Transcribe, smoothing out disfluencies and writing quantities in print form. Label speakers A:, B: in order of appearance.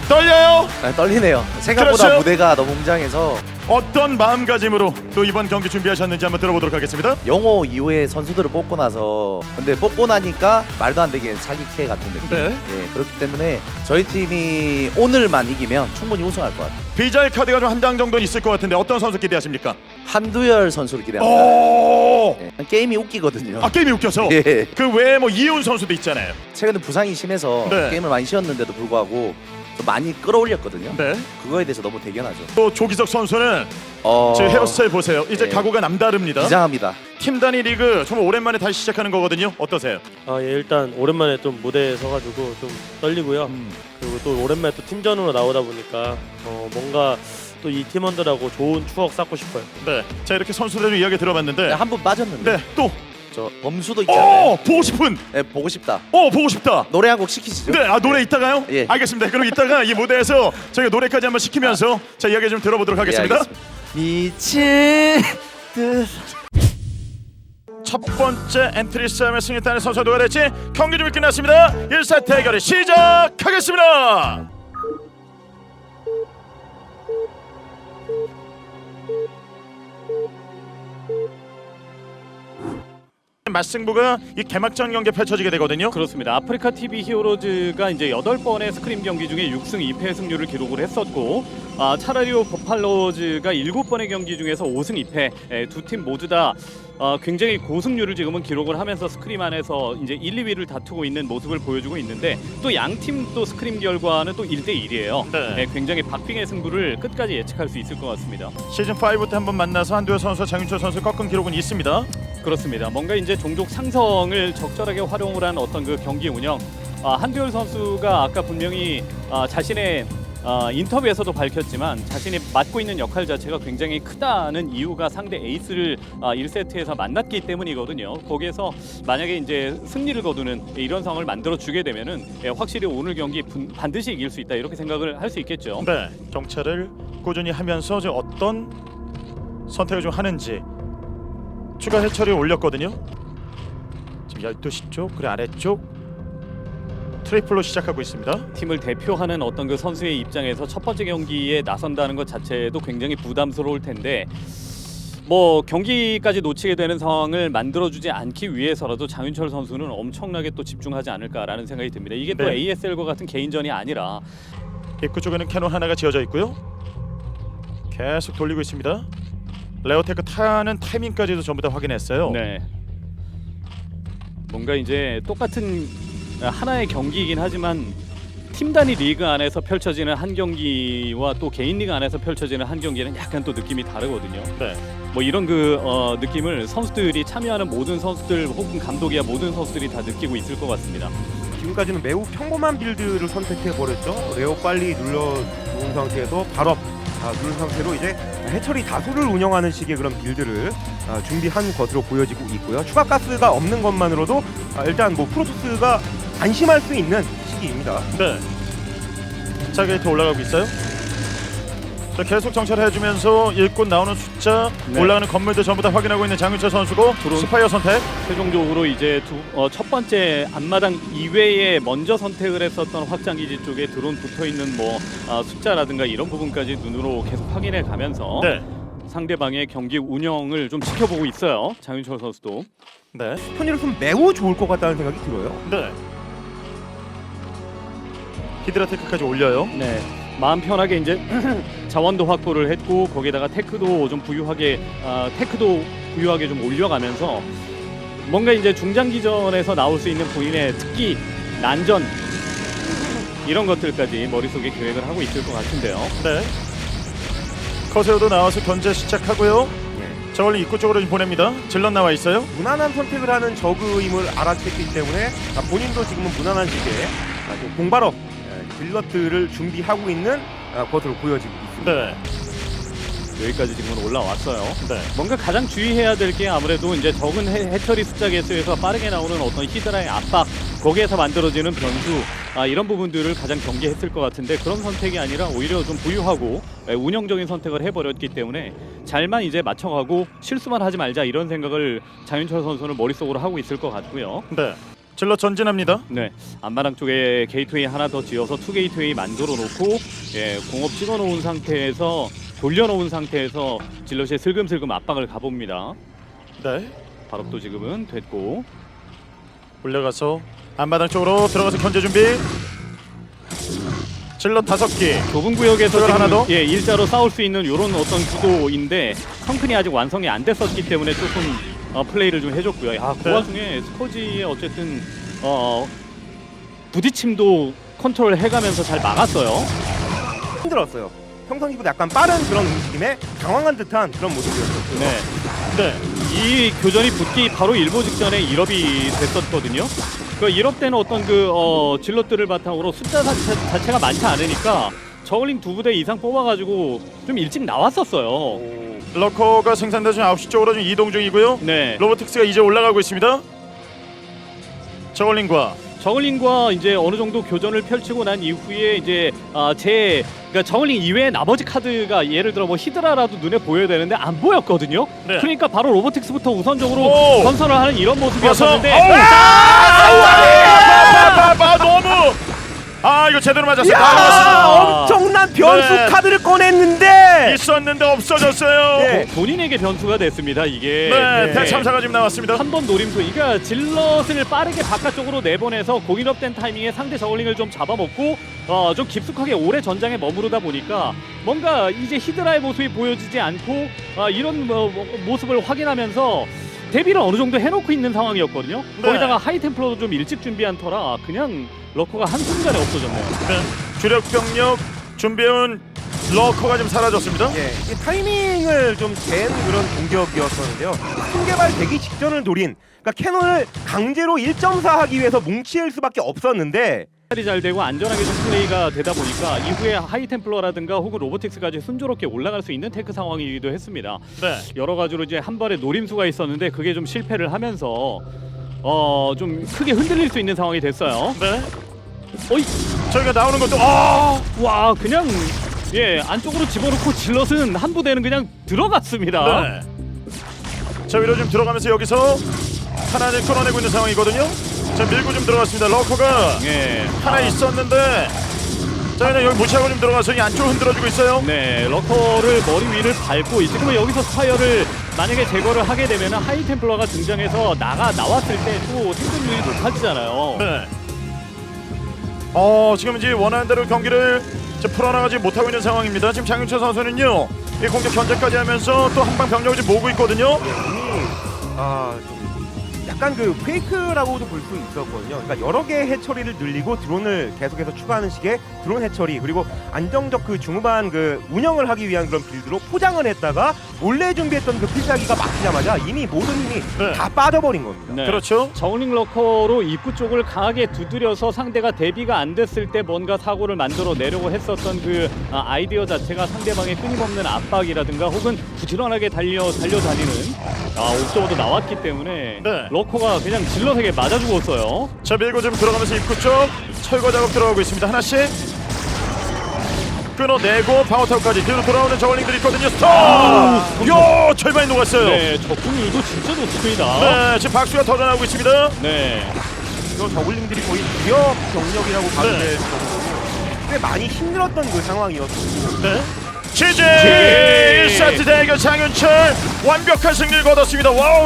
A: 떨려요.
B: 아, 떨리네요. 생각보다
A: 그렇죠?
B: 무대가 너무 웅장해서
A: 어떤 마음가짐으로 또 이번 경기 준비하셨는지 한번 들어보도록 하겠습니다.
B: 영호 이후에 선수들을 뽑고 나서 근데 뽑고 나니까 말도 안 되게 사기캐 같은 느낌.
A: 네.
B: 예, 그렇기 때문에 저희 팀이 오늘만 이기면 충분히 우승할 것 같아요.
A: 비자의 카드가 좀 한 장 정도는 있을 것 같은데 어떤 선수 기대하십니까?
B: 한두열 선수를 기대합니다.
A: 오!
B: 예, 게임이 웃기거든요.
A: 아 게임이 웃겨서.
B: 예.
A: 그 외에 뭐 이훈 선수도 있잖아요.
B: 최근에 부상이 심해서
A: 네.
B: 게임을 많이 쉬었는데도 불구하고 좀 많이 끌어올렸거든요.
A: 네.
B: 그거에 대해서 너무 대견하죠.
A: 또 조기석 선수는 지금 헤어스타일 보세요. 이제
B: 네.
A: 각오가 남다릅니다.
B: 비장합니다.
A: 팀 단위 리그 정말 오랜만에 다시 시작하는 거거든요. 어떠세요?
C: 아, 예, 일단 오랜만에 좀 무대에 서가지고 좀 떨리고요. 그리고 또 오랜만에 또 팀전으로 나오다 보니까 뭔가 또 이 팀원들하고 좋은 추억 쌓고 싶어요.
A: 네. 자 이렇게 선수들 이야기 들어봤는데.
B: 한 분 빠졌는데
A: 네. 또.
B: 저 범수도 있지 않나요?
A: 보고 싶은.
B: 네, 보고 싶다.
A: 보고 싶다.
B: 노래 한 곡 시키시죠.
A: 네, 노래 이따가요?
B: 예.
A: 알겠습니다. 그럼 이따가 이 무대에서 저희가 노래까지 한번 시키면서 자 이야기 좀 들어보도록 하겠습니다.
B: 예, 알겠습니다. 미친 듯.
A: 첫 번째 엔트리 싸움에 승리했다는 선수가 누가 될지 경기 준비 끝났습니다. 1사 대결을 시작하겠습니다. 맞승부가 이 개막전 경기에 펼쳐지게 되거든요.
D: 그렇습니다. 아프리카 TV 히어로즈가 이제 8번의 스크림 경기 중에 6승 2패 승률을 기록을 했었고, 차라리오 버팔로즈가 7번의 경기 중에서 5승 2패, 두 팀 모두 다 굉장히 고승률을 지금은 기록을 하면서 스크림 안에서 이제 1, 2위를 다투고 있는 모습을 보여주고 있는데, 또 양 팀 또 스크림 결과는 또 1대 1이에요.
A: 네.
D: 굉장히 박빙의 승부를 끝까지 예측할 수 있을 것 같습니다.
A: 시즌 5 때 한번 만나서 한두열 선수와 장윤철 선수 꺾은 기록은 있습니다.
D: 그렇습니다. 뭔가 이제 종족 상성을 적절하게 활용을 한 어떤 그 경기 운영. 한두열 선수가 아까 분명히 자신의 인터뷰에서도 밝혔지만 자신이 맡고 있는 역할 자체가 굉장히 크다는 이유가 상대 에이스를 1세트에서 만났기 때문이거든요. 거기에서 만약에 이제 승리를 거두는 이런 상황을 만들어 주게 되면은 확실히 오늘 경기 반드시 이길 수 있다 이렇게 생각을 할 수 있겠죠.
A: 네, 정찰을 꾸준히 하면서 이제 어떤 선택을 좀 하는지 추가 해처리 올렸거든요. 지금 12시 쪽, 그래 아래쪽 트리플로 시작하고 있습니다.
D: 팀을 대표하는 어떤 그 선수의 입장에서 첫 번째 경기에 나선다는 것 자체도 굉장히 부담스러울 텐데 뭐 경기까지 놓치게 되는 상황을 만들어주지 않기 위해서라도 장윤철 선수는 엄청나게 또 집중하지 않을까라는 생각이 듭니다. 이게 또
A: 네.
D: ASL과 같은 개인전이 아니라
A: 입구 쪽에는 캐논 하나가 지어져 있고요. 계속 돌리고 있습니다. 레오테크 타는 타이밍까지도 전부 다 확인했어요.
D: 네. 뭔가 이제 똑같은 하나의 경기이긴 하지만 팀 단위 리그 안에서 펼쳐지는 한 경기와 또 개인 리그 안에서 펼쳐지는 한 경기는 약간 또 느낌이 다르거든요.
A: 네.
D: 뭐 이런 그 느낌을 선수들이 참여하는 모든 선수들 혹은 감독이야 모든 선수들이 다 느끼고 있을 것 같습니다.
E: 지금까지는 매우 평범한 빌드를 선택해버렸죠. 레오 빨리 눌러놓은 상태에서 바로 누른 상태로 이제 해처리 다수를 운영하는 식의 그런 빌드를 준비한 것으로 보여지고 있고요. 추가 가스가 없는 것만으로도 일단 뭐 프로토스가 안심할 수 있는 시기입니다.
A: 네. 자 게이트 올라가고 있어요. 자 계속 정찰해주면서 일꾼 나오는 숫자
D: 네.
A: 올라가는 건물들 전부 다 확인하고 있는 장윤철 선수고
D: 드론.
A: 스파이어 선택.
D: 최종적으로 이제 첫 번째 앞마당 이외에 먼저 선택을 했었던 확장기지 쪽에 드론 붙어 있는 뭐 숫자라든가 이런 부분까지 눈으로 계속 확인해 가면서
A: 네.
D: 상대방의 경기 운영을 좀 지켜보고 있어요. 장윤철 선수도.
A: 네.
E: 톤이로서는 매우 좋을 것 같다는 생각이 들어요.
A: 네. 히드라테크까지 올려요.
D: 네. 마음 편하게 이제 자원도 확보를 했고 거기다가 테크도 좀 부유하게 좀 올려가면서 뭔가 이제 중장기전에서 나올 수 있는 본인의 특기 난전 이런 것들까지 머릿속에 계획을 하고 있을 것 같은데요.
A: 네. 커세오도 나와서 견제 시작하고요. 저걸로 입구 쪽으로 좀 보냅니다. 질럿 나와 있어요.
E: 무난한 선택을 하는 저그임을 알아챘기 때문에 본인도 지금은 무난한 식의 공발업 딜럿들을 준비하고 있는 것으로 보여지고 있습니다.
A: 네.
D: 여기까지 지금은 올라왔어요.
A: 네.
D: 뭔가 가장 주의해야 될 게 아무래도 이제 적은 해처리 숫자 개수에서 빠르게 나오는 어떤 히드라의 압박 거기에서 만들어지는 변수 이런 부분들을 가장 경계했을 것 같은데 그런 선택이 아니라 오히려 좀 부유하고 운영적인 선택을 해버렸기 때문에 잘만 이제 맞춰가고 실수만 하지 말자 이런 생각을 장윤철 선수는 머릿속으로 하고 있을 것 같고요.
A: 네. 질러 전진합니다.
D: 네, 안마당 쪽에 게이트웨이 하나 더 지어서 투 게이트웨이 만들어 놓고 예, 공업 찍어 놓은 상태에서 돌려놓은 상태에서 질럿이 슬금슬금 압박을 가봅니다.
A: 네.
D: 발업도 지금은 됐고
A: 올려가서 앞마당 쪽으로 들어가서 견제 준비. 질러 5개.
D: 좁은 구역에서
A: 그걸 하나
D: 지금
A: 더?
D: 예, 일자로 싸울 수 있는 이런 어떤 구도인데 성큰이 아직 완성이 안 됐었기 때문에 조금 플레이를 좀 해줬고요. 야, 그
A: 네.
D: 와중에 스커지의 어쨌든 부딪힘도 컨트롤 해가면서 잘 막았어요.
E: 힘들었어요. 평상시보다 약간 빠른 그런 움직임에 당황한 듯한 그런 모습이었어요.
D: 네.
A: 네.
D: 이 교전이 붙기 바로 일보 직전에 1업이 됐었거든요. 그 1업 때는 어떤 질럿들을 바탕으로 숫자 자체가 많지 않으니까 저글링 2부대 이상 뽑아가지고 좀 일찍 나왔었어요.
A: 러커가 생산된 지금 9시 쪽으로 좀 이동 중이고요.
D: 네.
A: 로보틱스가 이제 올라가고 있습니다. 저글링과
D: 저글링과 이제 어느 정도 교전을 펼치고 난 이후에 이제 그러니까 저글링 이외에 나머지 카드가 예를 들어 뭐 히드라라도 눈에 보여야 되는데 안 보였거든요.
A: 네.
D: 그러니까 바로 로보틱스부터 우선적으로
A: 오!
D: 건설을 하는 이런 모습이었었는데
A: 너무 이거 제대로 맞았어요.
E: 야,
A: 맞았어요.
E: 엄청난 변수
A: 네.
E: 카드를 꺼냈는데
A: 있었는데 없어졌어요.
E: 네.
D: 본인에게 변수가 됐습니다. 이게
A: 네, 대참사가 지금 나왔습니다.
D: 한 번 노림수, 그러니까 질럿을 빠르게 바깥쪽으로 내보내서 공인업된 타이밍에 상대 저글링을 좀 잡아먹고 좀 깊숙하게 오래 전장에 머무르다 보니까 뭔가 이제 히드라의 모습이 보여지지 않고 이런 모습을 확인하면서 대비를 어느 정도 해놓고 있는 상황이었거든요.
A: 네.
D: 거기다가 하이템플러도 좀 일찍 준비한 터라 그냥 러커가 한순간에 없어졌네요.
A: 네. 주력 병력 준비해온 러커가 지금 사라졌습니다.
E: 예, 이 타이밍을 좀 잰 그런 공격이었었는데요. 순개발 되기 직전을 노린, 그러니까 캐논을 강제로 1.4 하기 위해서 뭉칠 수밖에 없었는데
D: 살이 잘 되고 안전하게 좀 플레이가 되다 보니까 이후에 하이템플러라든가 혹은 로보틱스까지 순조롭게 올라갈 수 있는 테크 상황이기도 했습니다.
A: 네.
D: 여러 가지로 이제 한 발의 노림수가 있었는데 그게 좀 실패를 하면서 좀 크게 흔들릴 수 있는 상황이 됐어요.
A: 네.
D: 어이,
A: 저희가 나오는 것도
D: 와, 그냥 예 안쪽으로 집어넣고 질럿은 한 부대는 그냥 들어갔습니다.
A: 네. 자 위로 좀 들어가면서 여기서 하나를 끌어내고 있는 상황이거든요. 자 밀고 좀 들어갔습니다. 러커가
D: 예,
A: 하나 있었는데 저희는 여기 무시하고 좀 들어가서 이 안쪽으로 흔들어주고 있어요.
D: 네, 러커를 머리 위를 밟고 지금 여기서 스파이어를 만약에 제거를 하게 되면 하이템플러가 등장해서 나왔을 때 또 생존율이 높아지잖아요.
A: 네. 지금 이제 원하는 대로 경기를 지금 풀어나가지 못하고 있는 상황입니다. 지금 장윤철 선수는요, 이 공격 견제까지 하면서 또 한방 병력을 지금 모으고 있거든요.
E: 좀 약간 그 페이크라고도 볼 수 있었거든요. 그러니까 여러 개의 해처리를 늘리고 드론을 계속해서 추가하는 식의 드론 해처리, 그리고 안정적 그 중후반 그 운영을 하기 위한 그런 빌드로 포장을 했다가 몰래 준비했던 그 필살기가 막히자마자 이미 모든 힘이
A: 네.
E: 다 빠져버린 겁니다.
D: 네.
A: 그렇죠.
D: 저글링 러커로 입구 쪽을 강하게 두드려서 상대가 대비가 안 됐을 때 뭔가 사고를 만들어 내려고 했었던 그 아이디어 자체가 상대방의 끊임없는 압박이라든가 혹은 부지런하게 달려다니는 옵저버도 나왔기 때문에
A: 네.
D: 러커가 그냥 질럿에게 맞아 죽었어요.
A: 자 밀고 좀 들어가면서 입구 쪽 철거 작업 들어가고 있습니다. 하나씩 끊어내고 방어타워까지 뒤로 돌아오는 저글링들이 있거든요. 스톱! 요 절반이 녹았어요.
D: 네, 적중률도 진짜 좋습니다.
A: 네, 지금 박수가 터져나오고 있습니다.
D: 네.
E: 이거 저글링들이 거의 무력 병력이라고 봐도
A: 네.
E: 될 정도로 꽤 많이 힘들었던 그 상황이었습니다.
A: 네. 취재 1세트 대결 장윤철 완벽한 승리를 거뒀습니다. 와우.